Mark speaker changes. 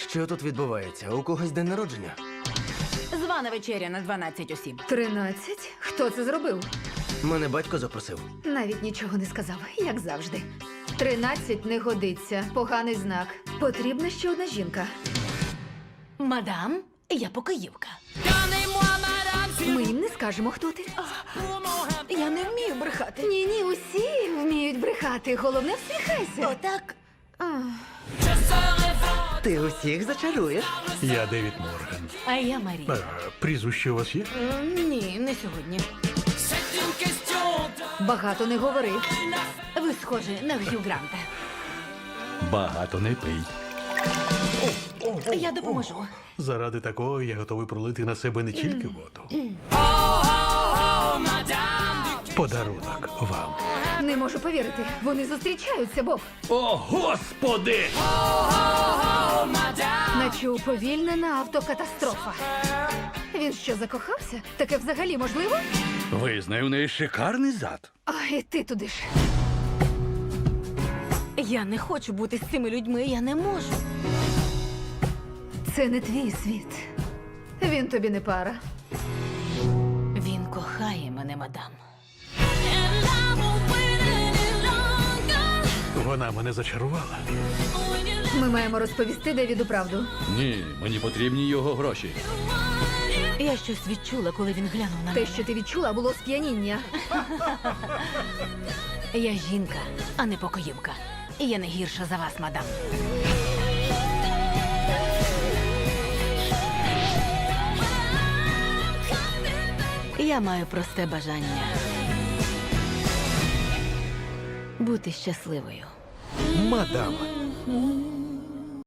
Speaker 1: Що тут відбувається? У когось день народження?
Speaker 2: Звана вечеря на 12 осіб.
Speaker 3: 13? Хто це зробив?
Speaker 1: Мене батько запросив.
Speaker 3: Навіть нічого не сказав, як завжди. 13 не годиться. Поганий знак. Потрібна ще одна жінка.
Speaker 2: Мадам, я покоївка.
Speaker 3: Ми їм не скажемо, хто ти.
Speaker 2: Я не вмію брехати.
Speaker 3: Ні, усі вміють брехати. Головне, всміхайся.
Speaker 2: Отак.
Speaker 1: Ти усіх зачаруєш?
Speaker 4: Я Девід Морган.
Speaker 2: А я Марія.
Speaker 4: Прізвище у вас є?
Speaker 2: Ні, не сьогодні.
Speaker 3: Багато не говори.
Speaker 2: Ви схожі на Г'ю Гранта.
Speaker 4: Багато не пий.
Speaker 2: Я допоможу.
Speaker 4: Заради такого я готовий пролити на себе не тільки воду. Подарунок вам.
Speaker 3: Не можу повірити. Вони зустрічаються, Боб.
Speaker 4: О, Господи!
Speaker 3: Наче уповільнена автокатастрофа. Він що, закохався? Таке взагалі можливо?
Speaker 4: Визнаю, у неї шикарний зад.
Speaker 3: А, і ти туди ж.
Speaker 2: Я не хочу бути з цими людьми, я не можу.
Speaker 3: Це не твій світ. Він тобі не пара.
Speaker 2: Він кохає мене, мадам.
Speaker 4: Вона мене зачарувала.
Speaker 3: Ми маємо розповісти Девіду правду.
Speaker 5: Ні, мені потрібні його гроші.
Speaker 2: Я щось відчула, коли він глянув на
Speaker 3: Те,
Speaker 2: мене.
Speaker 3: що ти відчула, було сп'яніння.
Speaker 2: Я жінка, а не покоївка. І я не гірша за вас, мадам. Я маю просте бажання бути щасливою.
Speaker 1: Мадам.